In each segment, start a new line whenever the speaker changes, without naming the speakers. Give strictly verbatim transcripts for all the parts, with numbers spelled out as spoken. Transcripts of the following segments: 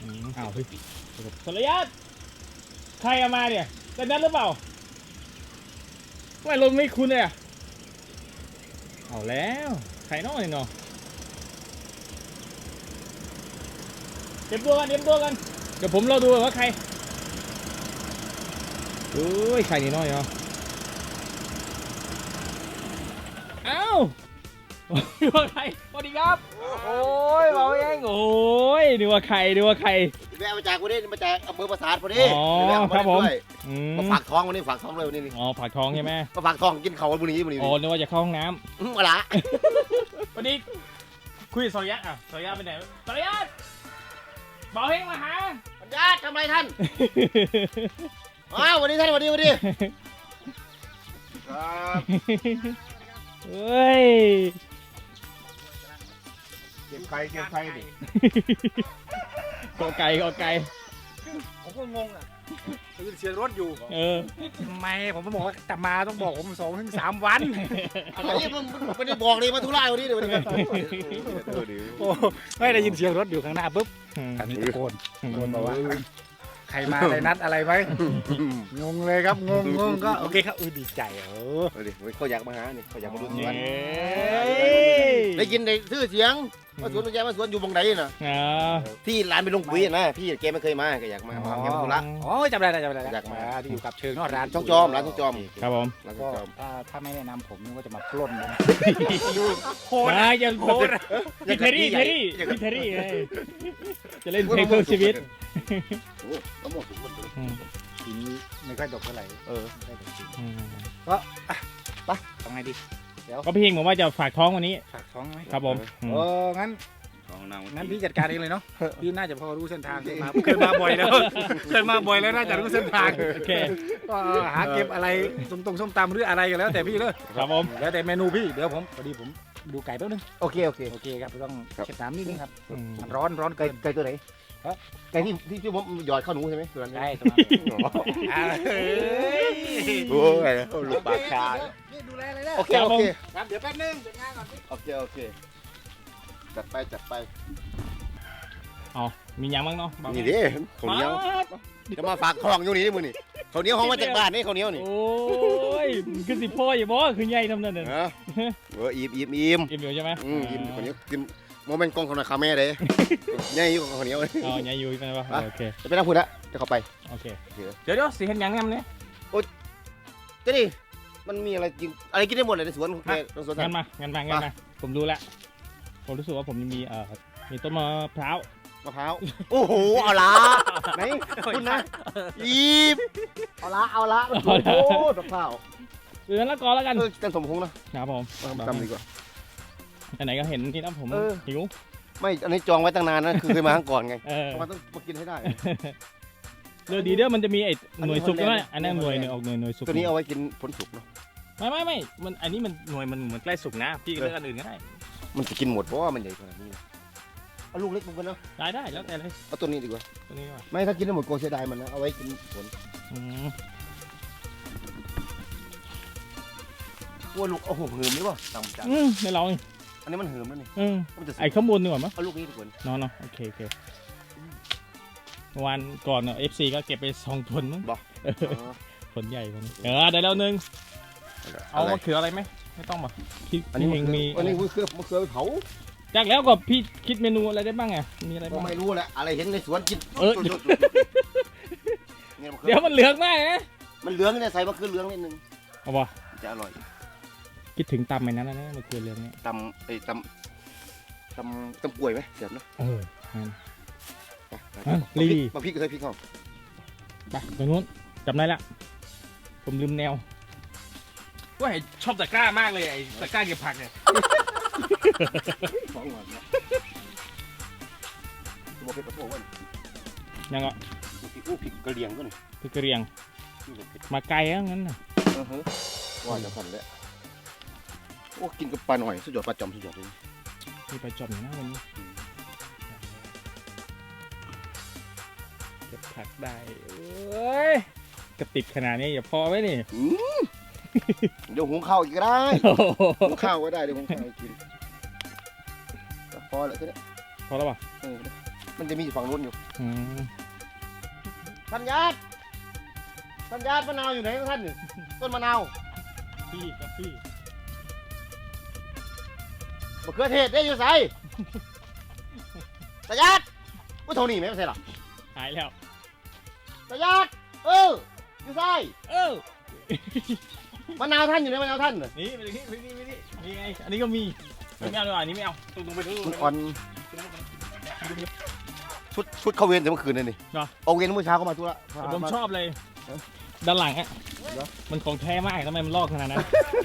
อ้าวเฮ้ยสรยัตใครเอามาเนี่ยแต่นั้นหรือเปล่าไม่ลมไม่คุ้นเลยอ่ะเอาแล้วใครน้อยเนาะเตรียมตัวกันเตรียมตัวกันเดี๋ยวผมรอดูว่าใครโอ้ยใครนี่น้อยเนาะเอ้าดูว่าใครสวัสดีครับโอ้ยเบาเองโอ้ยดูว่าใครดูว่าใคร
แวะมาจากวันนี้มาจากอำเภอปราสาทพอดี
อ๋อ
ครับผม
มา
มาฝากท้องวันนี้ฝากท้องเลยวันนี้นี่
อ๋อผักทองใช่ไหม
มาฝากท้องกินเขาวันนี้วันนี้
อ๋อนึกว่าจะเข้าห้องน้ำ
อืมอะไร
วันนี้คุยกับสรยัตอ่ะสรยัตไปไหนสรยัตเบาเฮงมาหา
ปัญญาทำไรท่านอ้าววันนี้ท่านวันนี้วันนี้ครับ
เฮ้ย
เก็บไข่เก็บไข่ดิ
กอไก่กอไก่
ผมก็งงอ่ะตื่นเสียงรถอยู่
เออ
ทำไมผมบอกว่าจะมาต้องบอกผมสองถึงสามวัน
อะไรนี่มันไม่ได้บอกเลยมาทุเรศวันนี้เดี๋ยววันนี้
โอ้ไม่ได้ยินเสียงรถอยู่ข้างหน้าปุ๊บอันนี้ตะโกนตะโกนบอกว่าใครมาอะไรนัดอะไรไหมงงเลยครับงงงงก็โอเคครับเออดีใจเออ
เดี๋ยวเขาอยากมาหาเนี่ยเขาอยากมาดูส
เย้
วนได้ยินได้ชื่อเสียงว่าสวนมันแย่มาสวนอยู่บงไหนน่ะ
อ่า
ที่ร้านเป็นลงปุ๋ยนะพี่แกไม่เคยมาแกอยากมามาแกมาธุระ
อ๋อจำได้จำได้
อยากมา
ที่อยู่กับเชิงนอกร้าน
ช่องจอมร้านช่องจอม
ครับผม
ร้านช่อ
ก็
งจอม
ถ้าถ้าไม่แนะนำผมนึกว่าจะมาปล้นนะ
โคตรจะโคตรพี่เทอรี่เทอรี่พี่เทอรี่ไงจะเล่นเพลงเพื่อชีวิต
โอ้มะม่วงสุกมันเลย
อืม
ปีนี้ไม่ค่อยดกเท่าไหร่
เออ
ไม่ค่อยดกจริง
อืม
ทำไงดีเดี๋ยว
ก็พี่เฮงบอกว่าจะฝากท้องวันนี้
ฝากท้องไหม
ครับผมอืม
เอองั้น
ของนาง
งั้นพี่จัดการเองเลยเนาะ พี่น่าจะพอรู้เส้นทางเคยมาเคยมาบ่อยแล้ว เคยมาบ่อยแล้วน่าจะรู้เส้นทาง
โอเค
ก็หาเก็บอะไรตรงตรงส้มตำหรืออะไรกันแล้วแต่พี่เลย
ครับผม
แล้วแต่เมนูพี่เดี๋ยวผมพอดีผมดูไก่แป๊บนึง
โอเคโอเค
โอเคครับต้อง
ครับ
เช็ดน้ำนิดนึงครับ
อืม
มันร้อนร้อน
ไก่
เกิน
ไก่ตัวไหน
ฮะ
ไก่ที่ที่ที่ผมหยอดข้าวหนูใช่ไหมตัวนั้น
ใช่สมาอ่าเฮ้ย
โอ้ยลูกปลาคา
พี่ดูแลเลยนะ
โอเคโอเค
ครับเดี๋ยวแป๊บนึงจัดงานก่อนพี่
โอเคโอเคจัดไปจัดไป
อ๋อมียังบ้างเนาะบอก
นี่ดิข้าวเหนียว
มา
จะมาฝากท้องอยู่นี่มื้อนี่ข้าวเหนียวห้องมาจากบ้านนี่ข้าวเหนียวนี่
โอ้ยมันคือสิพ่ออย่าบอกคือใหญ่ทำนั่นน่ะ
ฮะเอออิ่มอิ่มอิ่ม
กินอยู่ใช่ไหม
อืมอิ่มข้าวเหนียวกินโมเมนต์กล้องของนายคาแม่เลยใหญ่อยู่ข้าวเหนียว
อ๋อใหญ่อยู่ใช่ไหมวะโอเค
จะไปนั่งพูดละจะเข้าไป
โอเค
โอเค
เดี๋ยวเดี๋ยวสิเห็นยังงั้นเนี่ย
เจะดิมันมีอะไรกินอะไรกินได้หมดเลยในสวนของแกในสวน
งั้นมางั้นมางั้นมาผมรู้แล้วผมรู้สึกว่าผมยังมีเอ่อมีต้นมะพร้าว
มะพร้าวโอ้โหเอาละไหนคุณนะอิ่มเอาละเอาละโอ้โหมะพร้าว
หรือแล้วก็แล้วกัน
เออกันสมพงษ์นะครับ
ผม
จำดีกว่า
ไหนๆก็เห็นนี่นะผม
เออ
หิว
ไม่ อันนี้จองไว้ตั้งนานนะคือเคยมาครั้งก่อนไง
เออ
มันต้องมากินให้ได้
เรือดีเด้อมันจะมีไอ้หน่วยสุก
อันนี้
ด้วยอันนั้นหน่วยหนึ่งออกหน่วยหน่วยสุก
ตัวนี้เอาไว้กินผลสุกเนาะ
ไม่ไม่ไม่มันอันนี้มันหน่วยมันเหมือนใกล้สุกนะพี่ก็เลือกอันอื่นก็ได้
มันจะกินหมดเพราะว่ามันใหญ่ขนาดนี้นะเอาลูกเล็กมันกันเนาะ
ได้ได้แล้วแต่เลย
เอาตัวนี้ดีกว่า
ตัวนี้ดีกว่า
ไม่ถ้ากินได้หมดโกลัวเสียดายมันนะ เอาไว้กินผล
อืม
กลัวลูกเอาหัวหืมหรือเปล่าจำจัง
อืมไม่ลอง
อันนี้มันหืมแล้วนี่
อืม
มันจะสุก
ไอ้ข้างบนดีกว่ามั้ย
เอาลูกนี้ดีกว่า
เนาะเนาะโอเคโอเคเมื่อวานก่อนเนาะเอฟซีก็เก็บไปสองผลมั้ง
บอก
เออผลใหญ่มันเออได้แล้วหนึ่งเอา
อะไร
มะเขืออะไรไหมไม่ต้องป่ะพี่
อันนี้
พี่
มัน
เองมี
อันนี้มือเครือมือเครือไปเผา
จากแล้วก็พี่คิดเมนูอะไรได้บ้างอ่ะมีอะไร
ก็
บ้าง
ไม่รู้แหละอะไรเห็นในสวนกิน
เออ
สุดๆเนี่ยมะเขื
เดี๋ยว
อ
มันเหลืองมากนะ
มันเหลืองเนี่ยใส่มะเขือเหลืองนิดนึง
เอาป่ะ
จะอร่อย
คิดถึงตำไอ้นั้นนะมะเขือเหลืองเนี่ย
ตำไอ้ตำตำตำกล้วยไหมเสียบเนาะ
เอองั้น
ไปไป
อ่ะ
ไป
ลี
มาพริกก็ใส่พริกเข้า
ไปตรงนู้นจำได้ละผมลืมแนวว่าชอบตะกร้ามากเลยไอ้ตะกร้าเก็บผักเนี่ย
สองวันเนี่ยตัวเผ็ดกระโปงวัน
ยังก็
พริกอู้พริกกระเลียงก็นี่
พี่กระเรียง
นี่เลยเผ็ด
มาไกลแล้วงั้นน่ะ
เออฮะว่าจะพันแล้วโอ้กินกับปลาหน่อยสุดยอดปลาจอมสุดยอดเลย
มีไปจอมอยู่นะวันนี้เก็บผักได้เอ้ยกระติบขนาดนี้อย่าพอไหมนี่
อืมเดี๋ยวหุงข้าวอีกก็ได้
โอ้โห
หุงข้าวก็ได้เดี๋ยวหุงข้าวให้กินพอแล้วแค่นี้
พอแล้วป่ะ
เออมันจะมีอยู่ฝั่งนู้นอยู่
อืม
ท่านญาติท่านญาติมะนาวอยู่ไหนของท่านนี่ต้นมะนาว
พี่กับพี่
มะเขือเทศได้อยู่ไสท่านญาติว่าเท่านี้ไหมไม่ใช่หรอ
หายแล้ว
ท่านญาติเอออยู่ไส
เออ
มะนาวท่านอยู่ไหนมะนาวท่านน่ะ
นี่ไปนี่ไปนี่ไปนี่นี่ไงอันนี้ก็มีไม่เอาดีกว่าอันนี้ไม่เอาตรงๆไปดู
มันอ่อนชุดชุดเข้าเวรแต่เมื่อคืนนั่นนี่
เหรอ
เอาเวรเมื่อเช้าก็มาทุระ
ผมชอบเลยด้านหลังอ่ะมันของแท้มากทำไมมันลอกขนาดนั้น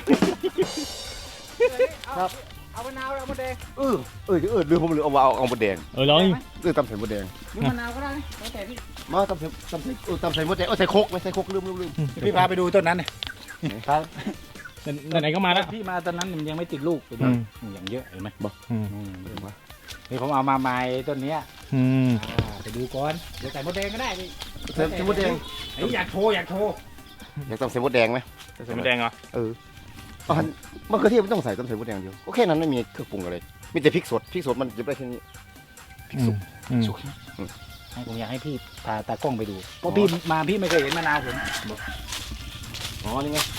ครับ
เอามะนาวเอามะแดง
เออเออเออลืมผมลืมเอาเอาเอาหมดแดง
เออลองดิ
เออตำใส่หมดแดง
หรือมะนาวก็ได้แล้วแต่พี่
มาตำใส่ตำใส่เออตำใส่หมดแดงเออใส่โคกไหมใส่โคกลืมลืมลืม
พี่พาไปดูต้นนั้นครับ
ไหนๆก็มาแล้ว
พี่มาตอนนั้นมันยังไม่ติดลูกไป
อื
ด้วย
ม
อย่างเยอะเห็นไหม
อืม
อืมนี่ผมเอามาใหม่ต้นเนี้ย
อืม
อ่าไปดูก่อนเดี๋ยวใส่มะแดงก็ได้พี่
ใส่ใส่หมดแดง
เฮ้ยอยากโชว์อยากโชว์
อยากตำใส่หมดแดงไหม
ใส่มะแดงเหรอ
เอออ๋อมะเขือเทศไม่ต้องใส่ตำใส่หมดแดงเดียวก็แค่นั้นไม่มีเครื่องปรุงอะไรมีแต่พริกสดพริกสดมันจะได้แค่นี้พริกสุก
อืม
สุก
ให้ผมอยากให้พี่พาตากล้องไปดูเพราะพี่มาพี่ไม่เคยเห็นมะนาวผม
อ๋อนี่ไง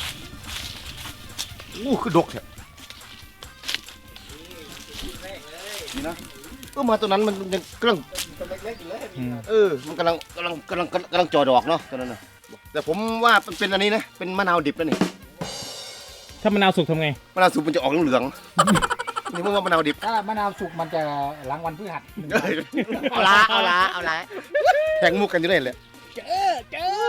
อู้คือดกแท้นี่นะเออมาตัวนั้นมันยังกำลัง
อืม
เออมันกำลังกำลังกำลังกำลังจ่อดอกเนาะตัวนั้นน่ะแต่ผมว่ามันเป็นอันนี้นะเป็นมะนาวดิบนะนี่
ถ้ามะนาวสุกทำไง
มะนาวสุกมันจะออกเหลืองๆนี่มึงว่ามะนาวดิบ
ถ้ามะนาวสุกมันจะหลังวันพฤหัส
เอาละเอาละเอาละแข่งมุกกันอยู่ได้เลย
เจอเจอ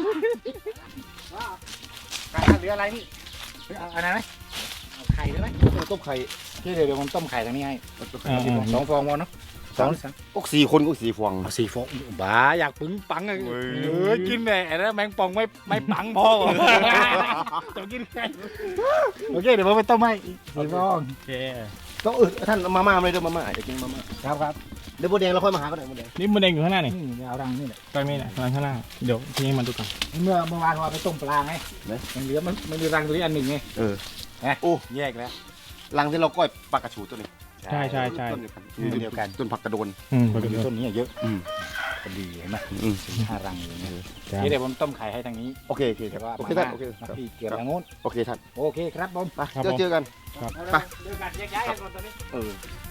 เหลืออะไรนี่เอาอันนั้นไหมเอาไข่ได้ไหม
ต้มไข่
พี่เดี๋ยวเดี๋ยวผมต้มไข่ทางนี้ให้
อ่า
สองฟองพอเนาะสองสาม
ก็สี่คนก็สี่ฟอง
เอาสี่ฟองบ้าอยากปึ้งปังอะ
เว้ย
เออกินแหม่แล้วแมงป่องไม่ไม่ปังพอจะกินแค่โอเคเดี๋ยวผมไปต้มให้อีกสี่ฟอง
โอเค
ต้องเออท่านเอามาม่ามาเลยเด้อมาม่าจะกินมาม่า
ครับครับ
เดี๋ยวโบแดงเราค่อยมาหาก็ได้โบแดง
นี่มะแดงอยู่ข้างหน้านี่
นี่เอาดังนี่แหละ
ไปไม่ได้ข้างหน้าข้างหน้าเดี๋ยวทิ้งให้มันดูก่อน
เมื่อเมื่อวานเราไปต้มปลาไงมันเหลือมันมันมีรังตัวนี้อันหนึ่งไง
เออ
นะ
โอ้
แยกแล้ว
รังที่เราก้อยปลากระชูตัวนี้
ใช่ใช่ใช่
ต้นเดียวกันต้นผักกระโดน
อืม
มันมีต้นนี้เยอะ
อืม
พอดีเห็นไหม
อืม
ห้ารังอย่างเงี้ย
จ้ะ
นี่เดี๋ยวผมต้มไข่ให้ทางนี้
โอเคโอเคค
แต่
รับ
ว่า
โอเค
มา
ท่านโอเค
มาพี่เกี่ยวทางโน้น
โอเคท่าน
โอเคครับผม
ไปเจอเจอกัน ไป
เดี๋ยวกันแยกย้ายกันก่อนตอนนี้
เออ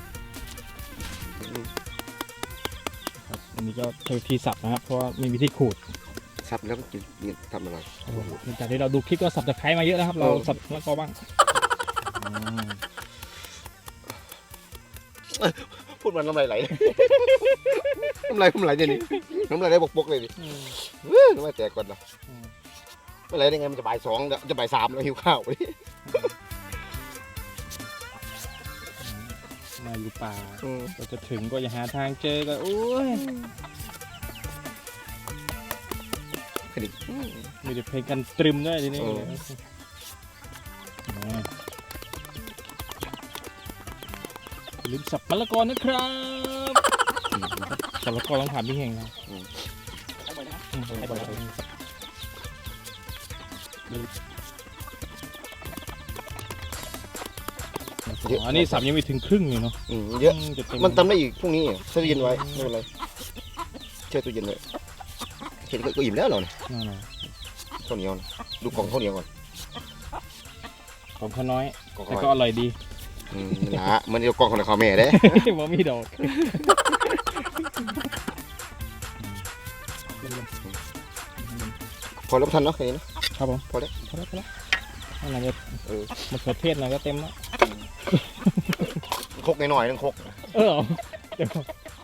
ครับอันนี้ก็ใช้วิธีสับนะครับ เพราะว่ามีวิธีขูด
สับแล้วก็กินนี่ทำอะไร
หลังจากที่เราดูคลิปก็สับตะไคร้มาเยอะนะครับ เรา
เออ
สับแล้วก็บ้างอืม
พูดมันน้ำลายไหล น้ำลายน้ำลายเนี่ยนี่น้ำลายไหลบกๆเลยดิเฮ้ยน้ำลายแตกก่อนนะน้ำลายได้ไงมันจะบ่ายสองแล้วจะบ่ายสามแล้วหิวข้าวดิ
มาอยู่ป่าก็จะถึงก็อย่าหาทางเจอก็โอ้ย
คดิ
มีแต่เพลงกันตรึมด้วยทีนี้
เออ
อ่าอย่าลืมสับมะละกอนะครับสับมะละกอต้องถามพี่เฮงนะอืมให้บ่อยๆสับอ๋ออันนี้สับยังไม่ถึงครึ่งเลยเนาะ
อืมเยอะ
จะเต็
มันทำได้อีกพรุ่งนี้แช่ตู้เย็นไว้ไม่เป็นไรแช่ตู้เย็นไว้เห็นก็อิ่มแล้วเหรอเนี่ย
นั่นน่ะ
ข้าวเหนียวนะดูกล่องข้าวเหนียวก่อน
ของเขาน้อย
กล่อง
แต่
ข้าว
ก็อร่อยดี
อืมนั่นละมันจะกล่องของข้าวแม่เด้
บ่มีดอก
พอแล้วทันเนาะแค่นี้นะครับ
ผม
พอแล้ว
พอแล้วพอแล้วอะไรจะ
เออ
มะเขือเทศอะไรก็เต็มแล้ว
ครกหน่อยๆนึงครก
เออเดี๋ยว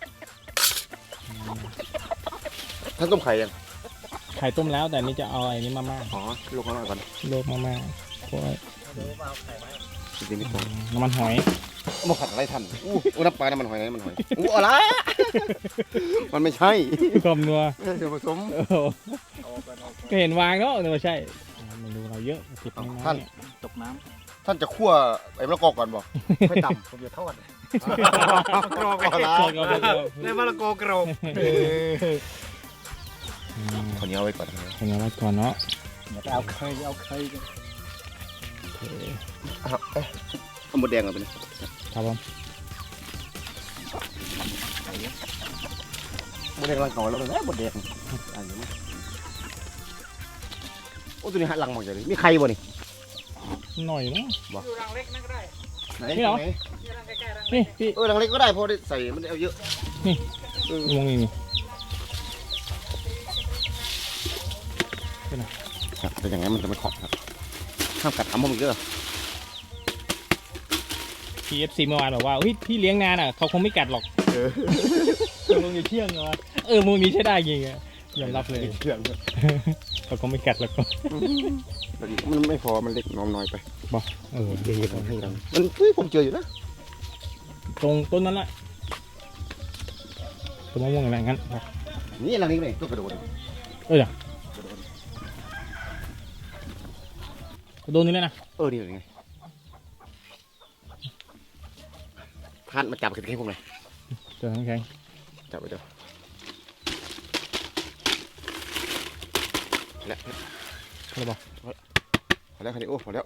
ท่านต้มไข่ยัง
ไข่ต้มแล้วแต่อันนี่จะเอาไอ้นี้มาม่า
อ๋อลงมาหน่อยก่อน
โลกมาม่าเพราะว่า
จริงๆไม่ต้อง
น้ำมันหอย
เอามาผัดอะไรท่านอู้อู้น้ำปลาน้ำมันหอยน้ำมันหอยอู้อะไรมันไม่ใช่
ความนัว
ไม่ใช่ส่วนผสม
เออก็เห็นวางเนาะแต่ไม่ใช่เมนูเราเยอะติดน้อยๆ
ท่าน
เนี่ย
ตกน้
ท่านจะคั่วไอ้มะละกอก่อนบอกไม่ต่ำผมจะทอด
ำกรอก
เอาละ
ใช่ก็ได้ก็
ในมะละกอกรอก
อืม
ข้าวเหนียวไว้ก่อน
เป็นไงบ้างก่อนเนาะ
อย่าไปเอาเคยเอาเคย
โอเค
เอาหมดแดงก่อนไปเลย
ครับผม
แดงรังเก่าแล้วนะบดแดงอันนี้โอ้ตัวนี้หัดรังหมดเลยมีใครบ่นี่
หน่อยนะ
อยู่รังเล็กนั่นก็ได้
ไหน
นี่เหรอ
ที่รังใกล้ๆรัง
นี่พี่
เออรังเล็กก็ได้เพราะได้ใส่มันเอาเยอะ
มองนี่นี่
ครับแต่อย่างนั้นมันจะไม่ขอบครับห้ามกัดทำมันเยอะ
พีเอฟซีเมื่อวานบอกว่าเฮ้ยพี่เลี้ยงนานอ่ะเขาคงไม่กัดหรอก
เออ
มึงอย่าเที่ยงเหรอเออมึงมีใช้ได้จริงอ่ะยอมรับเลย
เชื่องเลย
เขาคงไม่กัดหรอก
มันไม่พอมันเล็กน้อยไป
เออ
เดี๋ยวให้รังมันเฮ้ยผมเจออยู่นะ
ตรงต้นนั้นแหละต้นมะม่วงอะไรงั้น
นี่รังนี้เลยตัวกระโดด
เออโดนนี่เลยนะ
เออนี่ไงท่านมาจับกันแค่พวกไหน
เจอทั้งแข็ง
จับไปเดี๋ยวแล้ว
ใช่ป่ะ
พอแล้วคันนี้โอ้พอแล้ว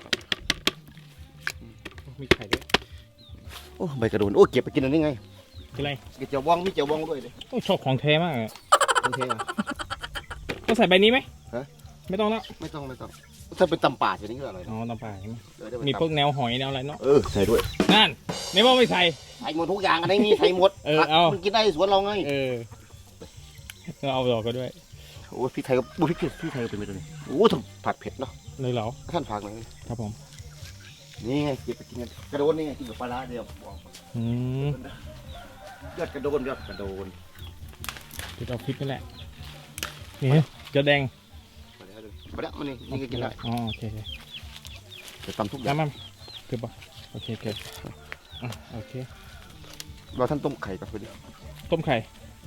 มีไข่ด้วย
โอ้ใบกระโดนโอ้เก็บไปกินอันนี้ไง
คืออะไร
เก็บเจียวบ้องมีเจียวบ้องด้วยเลย
โอ้ชอบของแท้มากอะ
โอเคอ่ะ
ต้องใส่ใบนี้ไหม
ฮะ
ไม่ต้องแล้ว
ไม่ต้องไม่ต้องถ้าเป็นตำป่าจะนี่ก็อร่อย
อ๋
นะ
อตำป่าใช่ไหม
เออเดี๋ยวไป
มี
ตำ
พวกแนวหอยแนวอะไรเนาะ
เออใส่ด้วย
นั่นไม่บอกไม่ใส่
ใส่หมดทุกอย่างอันนี้ใส่หมด
เออเอา
มันกินได้สวนเราไง
เออเราเอาดอกก็ด้วย
โอ้พริกไทยก็บุพริกพริกไทยก็เป็นไปตัวนี้โอ้ทำผัดเผ็ดเนาะ
เลยเหรอ
ท่านฝากหน่อย
ครับผม
นี่ไงเก็บไปกินกันกระโดนนี่ไงกินกับปลาร้าเดียวบอก
อืม
ยอดกระโดนยอดกระโดน
จุดเอาพริกนี่แหละนี่เจะแดง
มาแล้วดูมาแล้วมันนี่นี่ก็กินได้
อ๋อโอเคโอเค
เดี๋ยวตำทุกอย่าง
น้ำมันเกือบป่ะโอเคเกือบอ่ะโอเค
เราท่านต้มไข่ก่อนไปดิ
ต้มไข่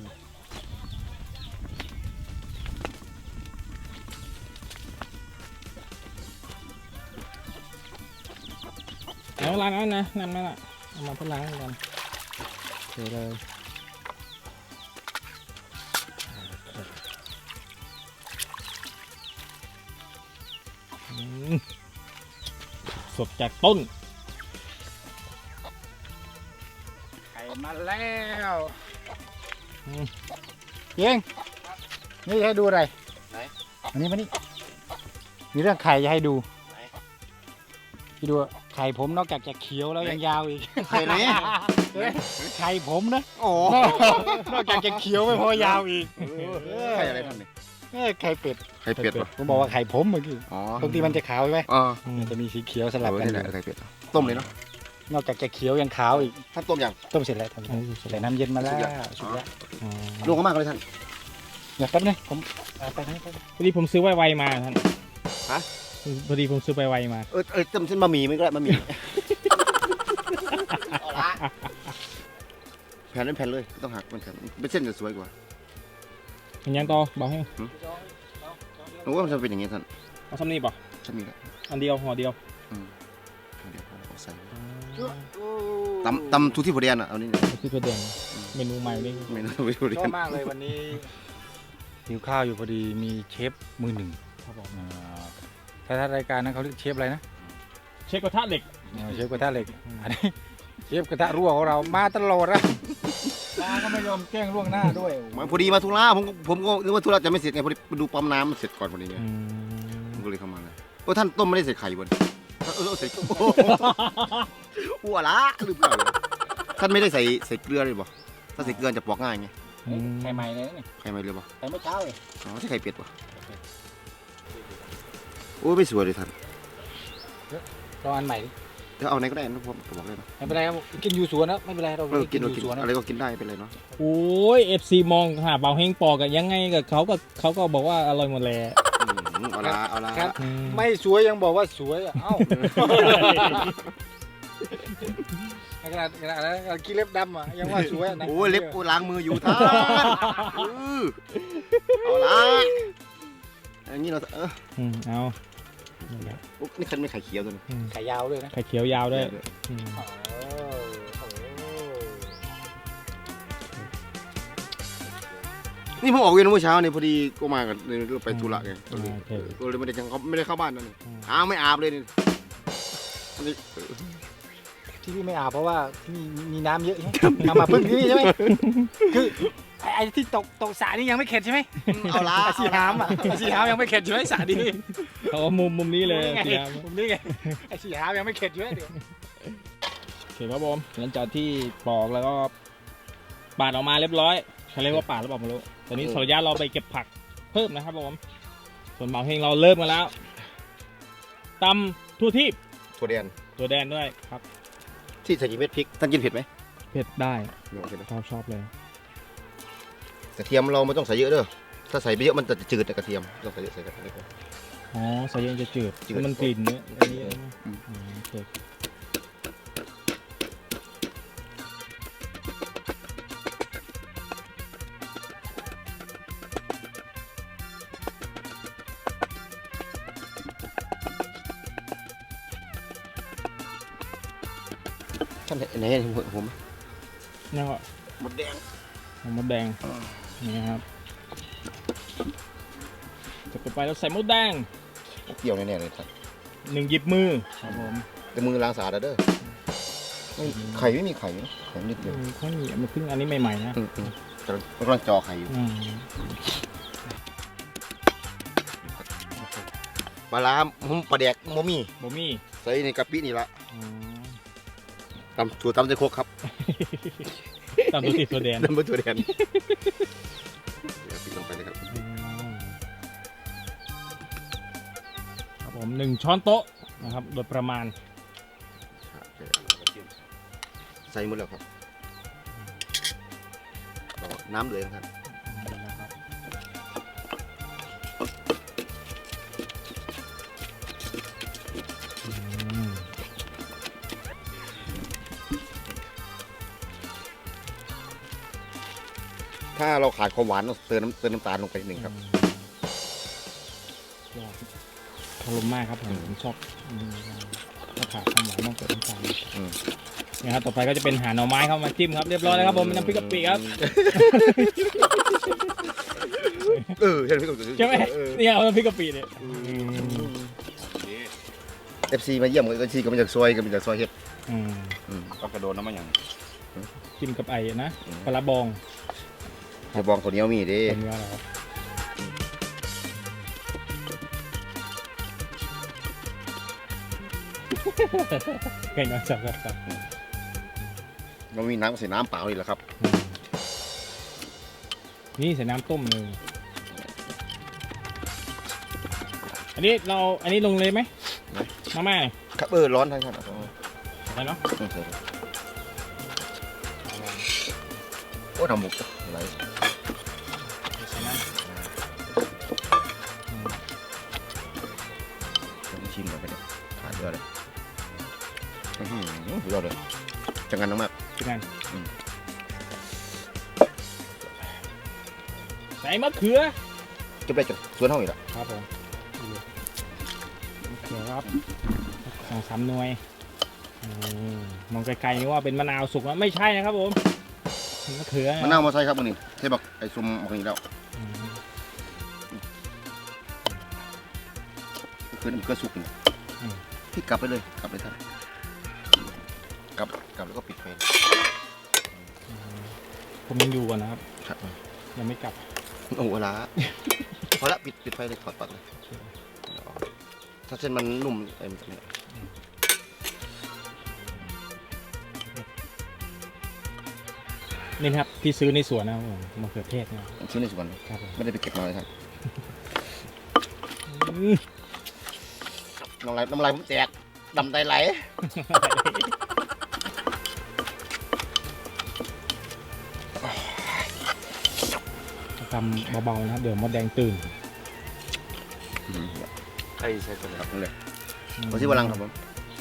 แล้วล้างแล้วนะนั่นนั่นอ่ะเอามาเพื่อล้างกันเดี๋ยวเลยอืมสดจากต้น
ไข่มาแล้ว
อืม
เพียงนี่ให้ดูอะไร
ไหน
อันนี้มานี่มีเรื่องไข่จะให้ดูพี่ดูไข่ผมนอกจากจะเขียวแล้วยังยาวอีก
ไข่ไหน
เฮ้ยไข่ผมนะ
โอ้
นอกจากจะเขียวไม่พอยาวอีก
ไข่อะไรท่านนี่
เอ้ยไข่เป็ด
ไข่เป็ดป่ะ
ผมบอกว่าไข่ผมเมื่อกี้
อ๋อ
ปกติมันจะขาวใช่ไหม
อ๋อ
มันจะมีสีเขียวสลับ
เออ
กัน
นี่แหละไข่เป็ดต้มเลยเนาะ
นอกจากจะเขียวยังขาวอีก
ท่านต้มยัง
ต้มเสร็จแล้วทำ
โอ้ยสด
ใส่น้ำเย็นมาแล้ว
สุดยอด
สุดแล้ว
อ๋อ
ลงก็มากเลยท่าน
เดี๋ยวแป๊บนึงผมเอาไปให้ไป
พอดีผมซื้อไวๆมาท่าน
ฮะ
พอดีผมซื้อไวๆมา
เออเออต้มเส้นบะหมี่มันก็ได้บะหมี่แผ่นเป็นแผ่นเลยไม่ต้องหักมันแผ่นเป็นเส้นจะสวยกว่า
เห็นยังต่อบอกให้
หนูว่ามันจะเป็นอย่างงี้ท่าน
เอาซ้ำนี่ป่ะ
ฉันมีแล้ว
อันเดียวห่อเดียว
เดี๋ยวเอาใส่ตำตำทุกที่พอดีอ่ะเอานี่
คือตัวเด่นเมนูใหม่นี่
เมนูไม่พอดี
ชอบมากเลยวันนี้หิวข้าวอยู่พอดีมีเชฟมือหนึ่ง
ครับผม
อ่าถ้าถ้ารายการนั้นเขาเรียกเชฟอะไรนะ
เชฟกระทะเหล็ก
อ่าเชฟกระทะเหล็กอันนี้เชฟกระทะรั่วของเรามาตลอดนะมาก็ไม่ยอมแกล้งล่วงหน้าด้วย
มาพอดีมาธุระผมผมก็นึกว่าธุระจะไม่เสร็จไงพอดีไปดูปั๊มน้ำมันเสร็จก่อนพอดีไงผมก็เลยเข้ามาเลยโอ้ท่านต้มไม่ได้ใส่ไข่บนเออเออใส่หัวละหรือเปล่าท่านไม่ได้ใส่ใส่เกลือเลยบ่ถ้าใส่เกลือจะปอกง่ายไง
ไข่ใหม่เลยนี่
ไข่ไม่เลยบ่
ไข่เมื่อเช้าเลย
อ๋อใช่ไข่เป็ดบ่โอ้ไม่สวยเลยท่าน
ลองอันใหม่ดิ
เดี๋ยวเอาไหนก็ได้นะผมบอกเลยนะ
ไม่เป็นไรครับกินอยู่สวนนะไม่เป็นไรเรา
เออกิน
อ
เรา
ยู่
กิน
สวนนะ
อะไรก็กินได้เป็นไรเนาะ
โอ้ยเอฟซีมองหาเบาเฮงปอกอะยังไงกับเขาก็เขาก็บอกว่าอร่อยหมดแหละ
อืมเอาละเอาละ
ครับ
อืม
ไม่สวยยังบอกว่าสวยอ่ะเอ้าขนาดขนาดนั้นกินเล็บดำอ่ะยังว่าสวยนะ
โอ้ยเล็บกูล้างมืออยู่ท่านเออเอาละอย่างนี้เราเออ
อืมเอา
อุ๊ยนี่คันไม่ไข่เขียวตัวนี้
อืม
ไข่ยาวด้วยนะ
ไข่เขียวยาวด้วยอืม
นี่ผมออกเวรเมื่อเช้าเนี่ยพอดีก็มากันเลยไปธุระไงก็เลย
โอเค
ก็เลยไม่ได้จังเขาไม่ได้เข้าบ้านนั่นนี่
อืม
อ้าวไม่อาบเลยนี่อันนี้
ที่พี่ไม่อาบเพราะว่าที่นี่มีน้ำเยอะใช่ไหมเอามาพึ่งที่นี่ใช่ไหมคือไอ้อ้ที่ตกตกสระนี่ยังไม่เข็ดใช่ไหม
เอาละ
อาชีหามอ่ะอาชีหามยังไม่เข็ดใช่ไหมสระดี
เขาว่ามุมมุมนี้เลย
นี่ไง
เสีย
มุมนี้ไงอาชีหามยังไม่เข็ดอยู่เลย
โอเคครับผมหลังจากที่ปอกแล้วก็ปาดออกมาเรียบร้อยเขาเรียกว่าปาดหรือเปล่าไม่รู้ตอนนี้ขออนุญาตเราไปเก็บผักเพิ่มนะครับผมส่วนเหมาเฮงเราเริ่มกันแล้วตำทั่วทีบ
ถั่วแดง
ตัวแดนด้วยครับ
ที่ใส่เม็ดพริกท่านกินเผ็ดไหม
เผ็ดได้
ไม่โอเคนะ
ชอบชอบเลย
กระเทียมเราไม่ต้องใส่เยอะเด้อถ้าใส่ไปเยอะมันจะจืดแต่กระเทียมต้องใส่เยอะใส่กระเทียม
อ๋อใส่เย็นจะจืด
จืด
มันกลิ่นเนื้ออันนี้
อืม
อืมโอเค
ท่านไหนเห็นผมผม
นี่ก็
หมดแดง
มดแดงนี่นะครับจะไปแล้วใส่มดแดง
เปรี้ยวแน่ๆเลยท่าน
หนึ่งหยิบมือครับผม
แต่มือล้างสะอาดแล้วเด้อไม่ไข่ไม่มีไข่นะไข่นิดเดียว
อืมข้าวเหนียวมันเพิ่งอันนี้ใหม่ๆนะ
อืมอืมกำลังกำลังจอไข่อยู่
อืม
ปลาร้าผมปลาแดกโมมี่
บะหมี่
ใส่ในกะปินี่ละ
อืม
ตำถั่วตำใจโคกครับ
ตามตัวติดตัวแดง
น้ำมันถั่วแดงเดี๋ยวปิดลงไปเลยครับ
อืมครับผมหนึ่งช้อนโต๊ะนะครับโดยประมาณ
ใส่หมดแล้วครับก็น้ำเดือดครับ
นะครับอืม
ถ้าเราขาดความหวานต้องเติมน้ำเติมน้ำตาลลงไปนิดหนึ่งครับ
ยอดอารมณ์มากครับผมผมชอบอืมถ้าขาดความหวานต้องเกิดน้ำตาล
อืม
นะครับต่อไปก็จะเป็นหาหน่อไม้เข้ามาจิ้มครับเรียบร้อยแล้วครับผมน้ำพริกกะปิครับ
เออใช่ไหมพี่กบ
ใช่ไหม
เออ
เนี่ยเอาน้ำพริกกะปิเนี่ย
เอฟซีมาเยี่ยมเอฟซีก็มาจากซอยก็มาจากซอยเฮ็ด
อืม
อืม
ก็กระโดดน้ำมันอย่าง
จิ้มกับไอ้นะปลาร้าบอง
เดี๋ยวบองคนเหนี้ยวมีเด้
เป็นว่าอะไรครับไก่น้อยจับครับครับ
เรามีน้ำใส่น้ำเปล่านี่แหละครับ
อืมนี่ใส่น้ำต้มเลยอันนี้เราอันนี้ลงเลยไหมมาม่าเนี่ย
ครับเออร้อนท่านครับ
อะไรเนาะ
อืมใส่เลยโอ้ทำหมกอะไร
ใส่น้ำอืม
ต้องชิมก่อนไปเนี่ยขาดเยอะเลยอื้อหือยอดเลยจังงันน้ำมาก
เป็นไง
อืม
ใส่มะเขือ
เก็บได้จากสวนห้องอีกแล้ว
ครับผมมะเขือครับสองสามหน่วยอืมมองไกลๆนี่ว่าเป็นมะนาวสุกแล้วไม่ใช่นะครับผมมะเขือ
มะนาวมาใส่ครับมันนี่ใช่บักไอ้ซุ่มบักนี่แล้ว
อืม
คือมันก็สุกนี่พี่กลับไปเลยกลับเลยท่านกลับกลับแล้วก็ปิดไฟ
ผมยังอยู่ก่อนนะครับ
ครับ
ยังไม่กลับ
โอ้โหละพอละปิดปิดไฟเลยถอดปลั๊กเลยถ้าเส้นมันนุ่มไอ้มันจะเนี่ย
นี่นะครับที่ซื้อในสวนนะครับผมมะเขือเทศนะครับ
ชิ้นในสวน
ครับผม
ไม่ได้ไปเก็บมาเลยท่าน
อืม
น้ำลายน้ำลายผมแตกดำไตไหล
ทำเบาๆนะครับเดี๋ยวมดแดงตื่น
ไอ้ใช่ตัวไหน
ครับนั่นเลยมาที่วลังครับผม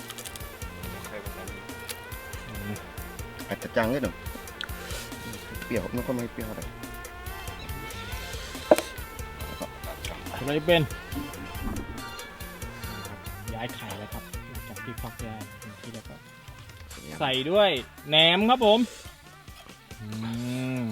อาจจะจางนิดหนึ่งเปรี้ยวไม่ค่อยไม่เปรี้ยวอะไร
อะไรเป็นย้ายไข่แล้วครับหลังจากที่ฟักได้ที่แล้วก็ใส่ด้วยแหนมครับผมอืม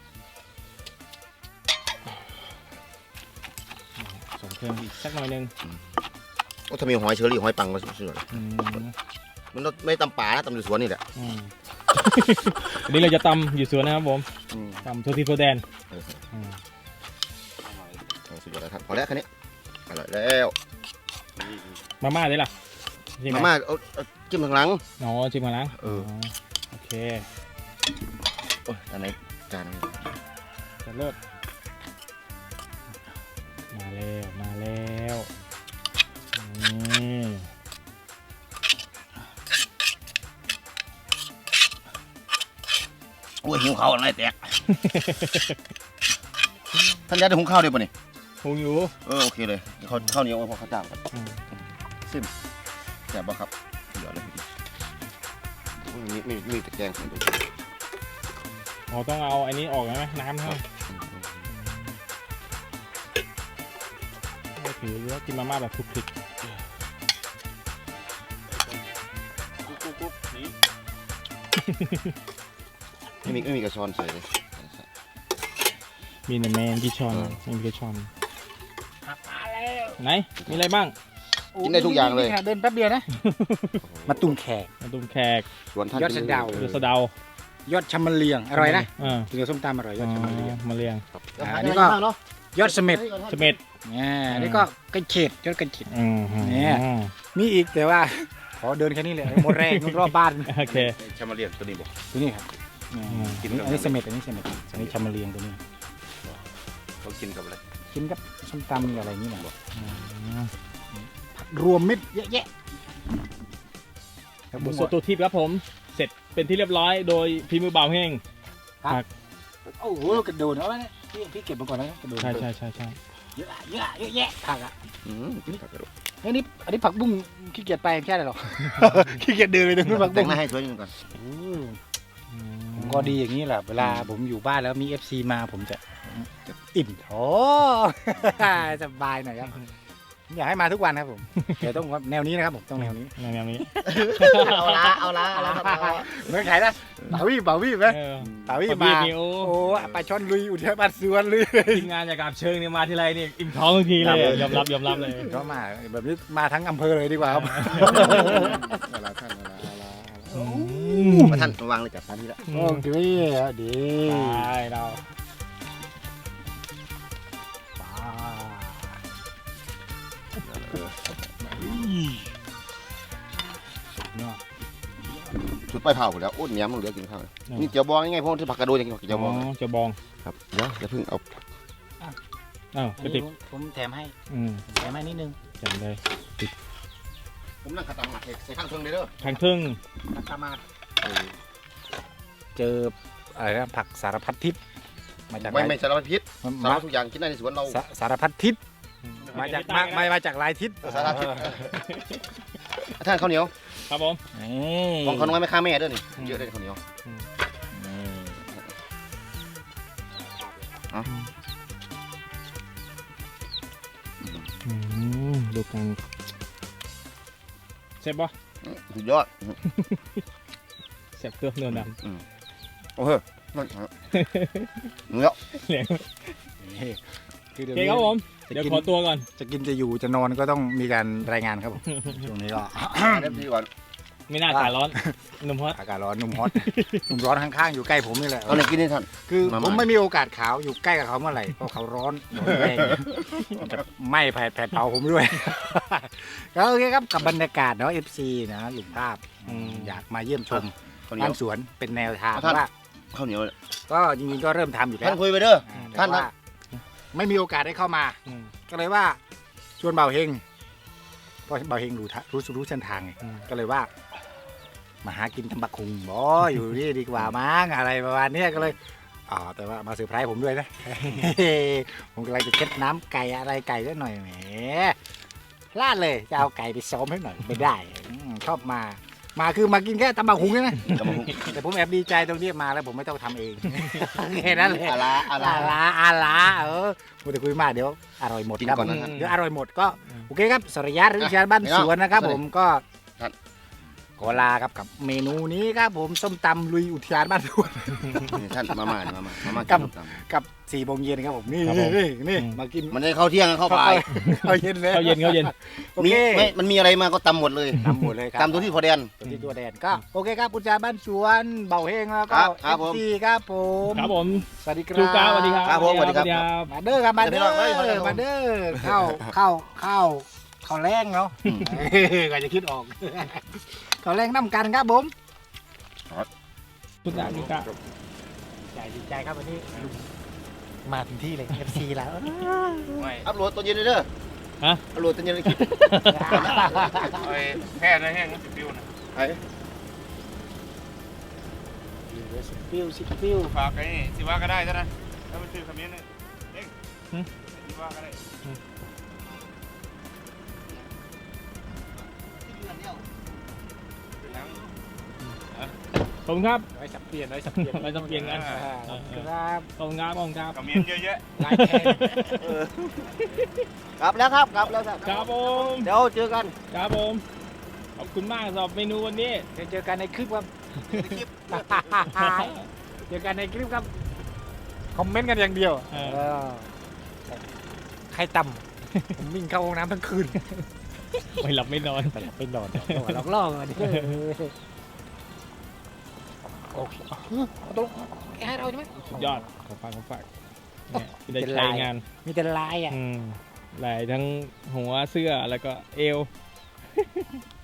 ใส่เครื่องอีกสักหน่อยหนึง
โอ้ถ้ามีหอยเชอรี่หอยปังก็สุดๆเลย
อืม
มันไม่ตำป่านะตำอยู่สวนนี่แหละ
อืม วันนี้เราจะตำอยู่สวนนะครับผม
อืม
ทำทัวทีโฟแดน
เออ
อืม
เออสุดยอดแล้วครับพอแล้วแค่นี้อร่อยแล้ว
มาม่าได้ล่ะใช่ไห
มาม่าเอาเอาจิ้มข้างหลัง
อ๋อชิมมาแล้ว
เออ
โอเค
โอ้ยอันไหนจานนี้
จะเลิศมาแล้วมาแล้วนี่
โอ้ยหิวข้าวอะไรแตก ท่านยายได้หุงข้าวด้วยป่ะนี่
หุงอยู่
เออโอเคเลยข้าวข้าวเหนียวพอข้าวจ้ามกัน
อืม
ซิมแซ่บบ่ครับสุดยอดเลยโอ้ยมีมีมีตะแกรงให้ดู
อ๋อต้องเอาอันนี้ออกใช่ไหมน้ำใช่ไหมโอเคเยอะกินมาม่าแบบคลุกคลิก
ไม่มีไม่มีกระชอนใส่เลย
มีแต่แมงกี่ช้อน
เออ
ไม่มีกี่ช้อน
มาแล้ว
ไหนมีอะไรบ้าง
กินได้ทุกอย่างเลย
เดินแป๊บเดียวนะ มาตุ่มแขก
มาตุ้มแขก
ส่วนท่าน
ยอดสะเดา
ออ
ดูสะเดาย
อดชะมะเลียงอร่อยนะ
อ่า
กินกับส้มตำอร่อยยอดชะมะเลียง
มาเรียง
อ่า
อัน
นี่
นี้ก็
ก็เนาะ
ยอดเสม็ด
เสม็ด
อ่าอันนี้ก็กระเฉดยอดกระเฉด
อืม
เนี่ย มีอีกแต่ว่า ขอเดินแค่นี้เลยหมดแรงรอบบ้าน
โอเค
ชามาเรียนตัวนี้บอก
ตัวนี้ครับอ่า
อืม
อันนี้อันนี้เสม็ดอันนี้เสม็ดอันนี้ชะมะเลียงตัวนี้
เขากินกับอะไร
กินกับส้มตำอะไรนี่แหละ
อืม
รวมมิตรเยอะแยะครับ
ห
ผ
มู
ม
สตูทิพย์ครับผม เสร็จเป็นที่เรียบร้อยโดยพีมือบ่าวเฮง
โอ้โหกระโดดเอาไว้เนี่ยพี่พี่เก็บมาก่อนแล้วกระโดด
ใช่ใช่ใช่ใช่
เยอะอะเยอะอะเยอะแยะผักอ่ะ
อืมกินผักกระโดด
อันนี้อันนี้ผักบุ้งขี้เกียจไปไม่ใช่หรอ ขี้เกียจเดินไปตรงนู้นผัก
แต่
บุ้
ง
ง
หน้าให้สวยนิดนึงก่อน
ผมก็ดีอย่างนี้แหละเวลาผมอยู่บ้านแล้วมี เอฟ ซี มาผมจะอิ่มท้อง สบายหน่อยครับอยากให้มาทุกวันครับผมแต่ต้องแนวนี้นะครับผมต้องแนวนี้
แนวนี้
เอาละเอาละเอาละ
เหมือนใครนะบ่าวี่บ่าวี่ไหม
เออ
บ่าวี่
ปลา
มา
บี้นี่โอ้
โอ้ปลาช่อนลุยอุทยานบ้านสวนเลย
ทีมงานจากกาบเชิงเนี่ยมาทีไรนี่อิ่มท้องทุกทีเลยยอมรับยอมรับเลย
ก็มาแบบนี้มาทั้งอำเภอเลยดีกว่าครับ
เอาละท่านเอาละเอาละ
อื
มาท่านมาวางเลยจัดทานที่ละ
โอ้ดีดี
ได้เรา
ชุดไปเผาหมดแล้วอ้นเนี้ยมึงเหลือกินข้าวนี่เจียวบองยังไงพวกที่ผักกระโดดยังกินเจียวบอง
จะบอง
ครับเดี๋ยวจะเพิ่งเอา
อ้าวกระติก
ผมแถมให้
อืม
แถมให้นิดนึง
จัดเลย
ผมนั่งขัดตามหลักใส่ข้างเครื่องเลยเด้อ
ทางครึ่ง
ตามมาเจออะไรนะผักสารพัดทิศมาจาก
ไม่ไม่สารพัดพิษสาร
มา
พัดทุกอย่างกินได้ในสวนเรา
สาสารพัดทิศมาจากมามามาจากหลายทิศ
สารพัดท่านข้าวเหนียว
ครับผม
นี่
ของเขาน้อยไม่ฆ่าแม่ด้วยนี่เยอะเลยข้าวเหนียว
อืมดูกันเสร็จปะ
สุดยอด
เสร็จเครื่องเนื้อหนัง
โอ้โหมันเนื้อ
เหลียง
นี่คือ
โอ
เดี๋ยว
เคครับผม
จะ
เดี๋ยว
กิน
ขอตัวก่อน
จะกินจะอยู่จะนอนก็ต้องมีการรายงานครับผมช่วงนี้ก็
เดี๋ยวดีก่อน
ไม่น่าอากาศร้อนหนุ่มฮอต
อากาศร้อนหนุ่มฮอตหนุ่มร้อนข้างๆอยู่ใกล้ผมนี่แหละ
เอาไหนกินให้ท่าน
คือ
มา
ผม
มา
ไม่มีโอกาสขาวอยู่ใกล้กับเขาเมื่อไหร่เพราะเขาร้อนร้อนแรงจะไหม้แผดแผดเผาผมด้วย ก็โอเคครับกับบรรยากาศเนาะ เอฟ ซี นะหลุมภาพอืมอยากมาเยี่ยมชม
ข้าวเหนีย
บ้า
วน
สวนเป็นแนวทาง
ท่าน
ว่า
ข้าวเหนียว
ก็จริงๆก็เริ่มทำอยู่แล้
ท่าน
ว
คุยไปเด้อ
อ่แต่
ท่าน
ว่าไม่มีโอกาสได้เข้ามา
อืม
ก็เลยว่าชวนเบาเฮงเพราะเบาเฮงรู้ทะรู้รู้เส้นทางไง
อืม
ก็เลยว่า มาหากินตำบักคุงบออยู่นี่ดีกว่ามั้งอะไรประมาณเนี้ยก็เลยอ๋อแต่ว่ามาเซอร์ไพรส์ผมด้วยนะ ผมกำลังจะเช็ดน้ำไก่อะไรไก่ได้หน่อยแหมพลาดเลยจะเอาไก่ไปซ้อมให้หน่อยไม่ได้อืมชอบมา มาคือมากินแค่ตำบักหุงใช่ไหม
กำลัง
แต่ผมแอบดีใจตรงที่มาแล้วผมไม่ต้องทำเอง แค่นั้นเลย
อาลาอา
อา
ลา
ลาอาลาเออพูดแต่คุยมากเดี๋ยวอร่อยหมด
กิน
ครับ
ก่อนนะครับ
เดี๋ยวอร่อยหมดก็โอเคครับสรยัตหรือชาบ้านสวนนะครับ ผมก็
ครับ
ขออลาครับกับเมนูนี้ครับผมส้มตำลุยอุทยานบ้านสวน
นี่ท่านมาม่านี่มาม่ามาม่า
กั
กิ
บ
นตำ
กับสี่โมงเย็นครับผมนี่
ครับผม
นี่นี่มากิน
มันได้เข้าเที่ยงเข้าบ่าย
เข้าเย็นเลย
เข้าเย็นเข้าเย็น
โอ
มี
เค
ไม่มันมีอะไรมาก็ตำหมดเลย
ตำหมดเลยครับ
ตำตัวที่พอแดน
ตัวที่ตัวแดนก็โอเคครับอุทยานบ้านสวนเบาเฮงแล้วก็
ครับค
เอ
รับ
ฟ
ผม
ซีครับผม
ครับผม
สวัสดีครับ
จูก้าสวัสดีครับ
ครับผมสวัสดีครับ
บ
มาเด้อครับมาเด้อ
เดี๋ยวพี่น้องเอ้ยมาเด้อ
มาเด้อเข้าเข้าเข้าเข้าแรงเนาะ
อืม
ก็จะคิดออก เข้าแรงน้ำกันครับผม
คุณดาจูก้า
ใจดีใจครับวันนี้มาถึงที่เลย เอฟ ซี แล้ว
อัพโหลดตัวเย็นเลยเด้อ
ฮะ
อัพโหลดตัวเย็นเลยคลิป
ไอ้แค่นั้นแห้งสิบวิวนะ
ไอ้
สิบฟิวสิบฟิว
ฝากไอ้สิว่าก็ได้ซะนะถ้ามันซื้อคำนี้นึงเด้งสิว่าก็ได้
ขอบคุณครับ
ไว้สับเปลี่ยนไว้สับเปลี่ยน
ไว้สับเปลี่ยนกัน
อ่าครับ
ขอบคุณครับขอบคุณครับ
คำนี้เยอะแยะ
ลายแทง
กลับแล้วครับกลับแล้วครับ
ครับผม
เดี๋ยวเจอกัน
ครับผมขอบคุณมากสำหรับเมนูวันนี้
เดี๋ยวเจอกันในคลิปครับ
ในคลิป
เจอกันในคลิปครับ คอมเมนต์กันอย่างเดียว
เออ
เออใครต่ำผมวิ่งเข้าห้องน้ำทั้งคืน
ไม่หลับไม่นอน
ไปหลับไปนอนหลอกล่อกันดิโอเคเอาตรงให้เราใช่ไหม
สุดยอดขอฝากขอฝากเนี่ยได้ใช้งาน
มีแต่ลายอ่ะ
อืมหลายทั้งหัวเสื้อแล้วก็เอว